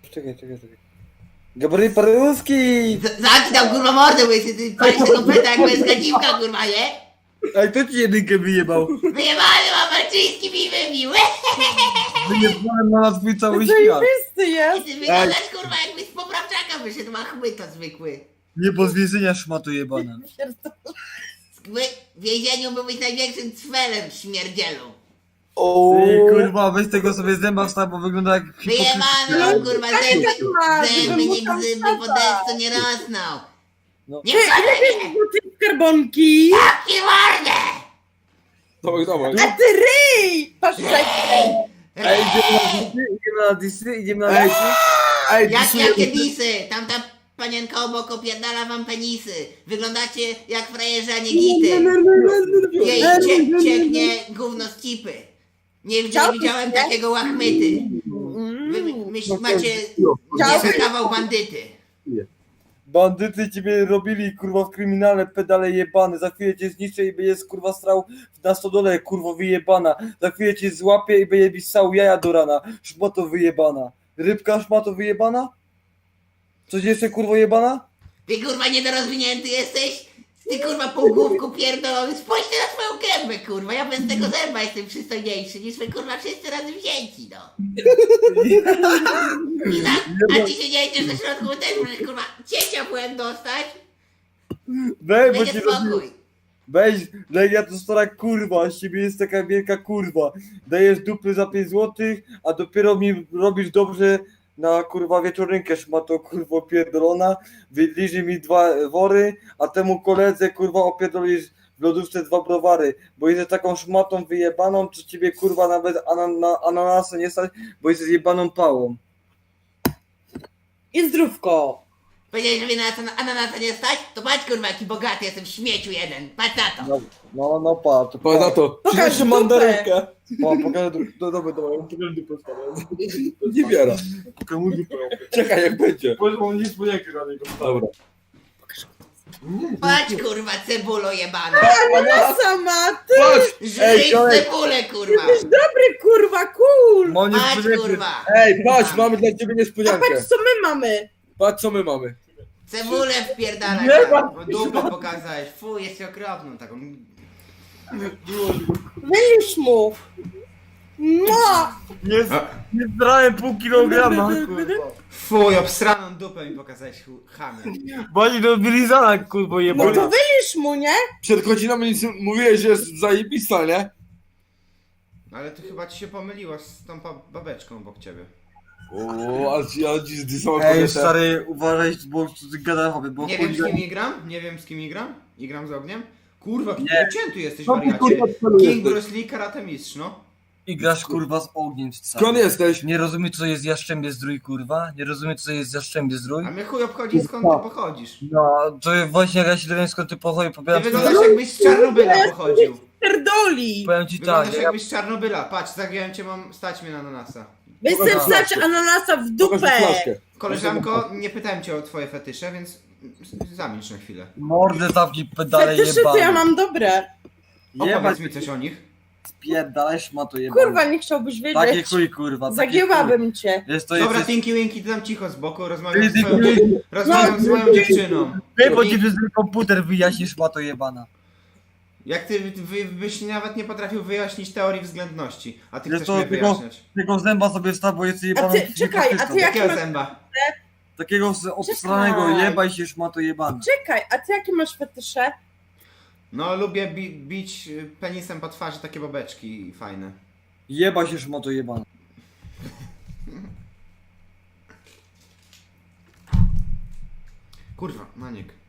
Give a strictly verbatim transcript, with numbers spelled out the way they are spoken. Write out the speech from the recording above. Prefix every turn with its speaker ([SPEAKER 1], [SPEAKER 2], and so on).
[SPEAKER 1] czekaj, czekaj, czekaj. Gabry Paruski!
[SPEAKER 2] Zamknij tam kurwa mordę, bo jesteś ty palisz tego peta jak męska dziwka kurwa, nie?
[SPEAKER 1] Ej, kto ci jedynkę wyjebał?
[SPEAKER 2] Wyjebany mam Marczyński mi wybił.
[SPEAKER 1] Wyjebałem na twój cały świat.
[SPEAKER 3] Zajebisty
[SPEAKER 2] I
[SPEAKER 3] jest!
[SPEAKER 2] ty wyglądasz kurwa jakbyś z poprawczaka wyszedł, ma chmyta zwykły.
[SPEAKER 1] Nie, bo z więzienia szmato jebana.
[SPEAKER 2] W więzieniu byłbyś największym cwelem śmierdzielą.
[SPEAKER 1] Ej, kurwa, weź tego sobie zęba wstaw, bo wygląda jak
[SPEAKER 2] Wyjebany
[SPEAKER 1] hipokryta.
[SPEAKER 2] mam kurwa zęby,
[SPEAKER 3] ma,
[SPEAKER 2] zęby
[SPEAKER 3] żeby mu
[SPEAKER 2] nie
[SPEAKER 3] tam
[SPEAKER 2] gzyby,
[SPEAKER 3] wsadzać.
[SPEAKER 2] po deszczu nie rosną.
[SPEAKER 1] No.
[SPEAKER 2] Nie
[SPEAKER 3] Ty,
[SPEAKER 2] wcale
[SPEAKER 3] ile
[SPEAKER 2] nie!
[SPEAKER 3] bierzesz do tej skarbonki?
[SPEAKER 2] I mordę!
[SPEAKER 4] Dawaj, dawaj.
[SPEAKER 3] A ty ryj! Patrz,
[SPEAKER 1] Ej, idziemy na disy, idziemy na disy, idziemy na
[SPEAKER 4] Ej,
[SPEAKER 1] disy.
[SPEAKER 4] ej,
[SPEAKER 2] Jak,
[SPEAKER 4] disuję-
[SPEAKER 2] jakie disy? Tamta panienka obok opierdala wam penisy. Wyglądacie jak frajerzy, a nie gity. Jej cie, cieknie gówno z cipy. Nie, nie
[SPEAKER 3] Chciałbyś,
[SPEAKER 2] widziałem
[SPEAKER 3] nie?
[SPEAKER 2] takiego łachmyty. Wy myśl, macie
[SPEAKER 3] Chciałbyś?
[SPEAKER 2] nie kawał bandyty.
[SPEAKER 1] Bandyty ciebie robili, kurwa, w kryminale, pedale jebane. Za chwilę cię zniszczę i będziesz, kurwa, strał na stodole, kurwo, wyjebana. Za chwilę cię złapię i będzie ssał jaja do rana. Szmato wyjebana. Rybka szmato wyjebana? Coś jeszcze, kurwo, jebana?
[SPEAKER 2] Ty kurwa niedorozwinięty jesteś? Ty kurwa półgłówku pierdolony. Spójrzcie na swoją gębę kurwa. Ja bez tego zęba jestem przystojniejszy niż wy kurwa wszyscy razem wzięci no. I tak, a ci się nie idziesz do środku, bo też możesz kurwa ciecia byłem dostać.
[SPEAKER 1] Weź, bo
[SPEAKER 2] Będzie
[SPEAKER 1] ci robi...
[SPEAKER 2] spokój.
[SPEAKER 1] Weź, Legia to stara kurwa, z ciebie jest taka wielka kurwa. Dajesz dupy za pięć złotych, a dopiero mi robisz dobrze na kurwa wieczorynkę szmato kurwo pierdolona. Wydliży mi dwa wory, a temu koledze kurwa opierdolisz w lodówce dwa browary. Bo jesteś taką szmatą wyjebaną, czy ciebie kurwa nawet anan na ananasa nie stać, bo jesteś jebaną pałą.
[SPEAKER 3] I zdrówko!
[SPEAKER 2] Powiedziałeś, że mnie na to- ananasa nie stać? To patrz kurwa jaki bogaty jestem w śmieciu jeden. Patrz na to.
[SPEAKER 1] No, no, no pa, to
[SPEAKER 4] Patrz na to.
[SPEAKER 3] Pokaż
[SPEAKER 4] Przyniesie
[SPEAKER 3] dupę.
[SPEAKER 4] mandarynkę.
[SPEAKER 1] Pa, pokażę dupę, no, dobra, dobra, ja pokażę dupę stara.
[SPEAKER 4] Nie biera.
[SPEAKER 1] Pokażę mu dupę.
[SPEAKER 4] Czekaj, jak będzie.
[SPEAKER 1] Bo on nic nie na niego.
[SPEAKER 4] Dobra.
[SPEAKER 2] Patrz kurwa cebulo jebana.
[SPEAKER 3] Ananasa ma, ty!
[SPEAKER 4] Patrz!
[SPEAKER 1] Ej,
[SPEAKER 2] Żyj
[SPEAKER 1] kolej.
[SPEAKER 2] cebulę kurwa.
[SPEAKER 3] Jesteś dobry, kurwa, cool!
[SPEAKER 1] No nie
[SPEAKER 2] Patrz
[SPEAKER 1] spodziewaj-
[SPEAKER 2] kurwa.
[SPEAKER 4] Ej, patrz, mamy dla ciebie
[SPEAKER 3] A
[SPEAKER 4] niespodziankę.
[SPEAKER 3] patrz, co my mamy!
[SPEAKER 4] Patrz, co my mamy.
[SPEAKER 2] Cebulę wpierdalaj.
[SPEAKER 1] Nie
[SPEAKER 2] tam.
[SPEAKER 1] ma-
[SPEAKER 2] Bo dupę pokazałeś. Fuj, jest okropną taką.
[SPEAKER 3] Wylisz mu! No!
[SPEAKER 1] Nie, nie zdrałem pół kilograma, kurwa.
[SPEAKER 2] Fuj, obsraną dupę mi pokazałeś chamie.
[SPEAKER 1] Bani do wylizana, kurwa,
[SPEAKER 3] No to
[SPEAKER 1] jebana.
[SPEAKER 3] wylisz mu, nie?
[SPEAKER 4] Przed godzinami nic mówiłeś, że jest zajebista, nie?
[SPEAKER 2] Ale to chyba ci się pomyliło z tą pa- babeczką obok ciebie.
[SPEAKER 4] O, ale ci, ale ci zdysała
[SPEAKER 1] Ej,
[SPEAKER 4] kobietę.
[SPEAKER 1] stary, uważaj, bo ty gada chłopie, bo
[SPEAKER 2] Nie wiem z
[SPEAKER 1] chuj-
[SPEAKER 2] kim igram, nie wiem z kim igram. Igram z ogniem. Kurwa,
[SPEAKER 1] Nie.
[SPEAKER 2] nie. Cięty jesteś
[SPEAKER 4] Co ty,
[SPEAKER 2] wariacie.
[SPEAKER 4] kurwa, celujesz?
[SPEAKER 2] King Bruce Lee, karate mistrz, no.
[SPEAKER 1] I grasz, kurwa, z ogniem, stary.
[SPEAKER 4] Skąd jesteś?
[SPEAKER 1] Nie rozumiesz, co jest jaszczębie zdrój, kurwa? Nie rozumiesz, co jest jaszczębie zdrój?
[SPEAKER 2] A mnie chuj obchodzi skąd ty pochodzisz.
[SPEAKER 1] No, to właśnie jak ja się dowiem, skąd ty pochodzi,
[SPEAKER 2] Ty
[SPEAKER 1] powiadam ci,
[SPEAKER 2] wyglądasz jakbyś z Czarnobyla pochodził.
[SPEAKER 3] Pierdoli!
[SPEAKER 1] powiem ci tak,
[SPEAKER 2] Wyglądasz
[SPEAKER 1] ja,
[SPEAKER 2] jakbyś z Czarnobyla. Patrz, zagiąłem cię, mam stać mnie na ananasa.
[SPEAKER 3] Wy chcesz
[SPEAKER 4] Pokaż
[SPEAKER 3] wstać
[SPEAKER 4] flaszkę.
[SPEAKER 3] ananasa w
[SPEAKER 4] Pokaż mi
[SPEAKER 3] dupę!
[SPEAKER 4] flaszkę.
[SPEAKER 2] Koleżanko, nie pytałem cię o twoje fetysze, więc zamilcz na chwilę.
[SPEAKER 1] mordę zamknij, pedale
[SPEAKER 3] Fetyszy to
[SPEAKER 1] jebane.
[SPEAKER 3] ja mam dobre.
[SPEAKER 1] Jebać,
[SPEAKER 2] Opowiedz mi coś o nich.
[SPEAKER 1] spierdalaj, szmato jebane.
[SPEAKER 3] Kurwa, nie chciałbyś
[SPEAKER 1] Takie
[SPEAKER 3] wiedzieć.
[SPEAKER 1] chuj, kurwa. takie
[SPEAKER 3] Zagięłabym cię.
[SPEAKER 1] chuj. Jest to,
[SPEAKER 2] Dobra,
[SPEAKER 1] jest,
[SPEAKER 2] Tinky Winky, ty tam cicho z boku, rozmawiam
[SPEAKER 1] Ty,
[SPEAKER 2] z
[SPEAKER 1] ty,
[SPEAKER 2] swoją,
[SPEAKER 1] ty,
[SPEAKER 2] dziew- rozmawiam z moją dziewczyną.
[SPEAKER 1] ty, bo ci przez ten komputer wyjaśnisz, szmato jebana.
[SPEAKER 2] Jak ty wy, byś nawet nie potrafił wyjaśnić teorii względności, a ty
[SPEAKER 1] Jest
[SPEAKER 2] chcesz
[SPEAKER 1] to
[SPEAKER 2] mnie
[SPEAKER 1] tylko-
[SPEAKER 2] wyjaśniać.
[SPEAKER 1] Tego zęba sobie wstaw, bo jest
[SPEAKER 3] A
[SPEAKER 1] jebana.
[SPEAKER 3] ty, czekaj, a ty jak
[SPEAKER 2] Jakiego
[SPEAKER 3] masz...
[SPEAKER 2] zęba?
[SPEAKER 1] Takiego z- obstranego
[SPEAKER 3] Czekaj.
[SPEAKER 1] jebaj się, szmato jebana.
[SPEAKER 3] Czekaj, a ty jakie masz fetysze?
[SPEAKER 2] No, lubię bi bić y, penisem po twarzy takie babeczki fajne.
[SPEAKER 1] Jebaj się, szmato jebana.
[SPEAKER 2] Kurwa, Maniek.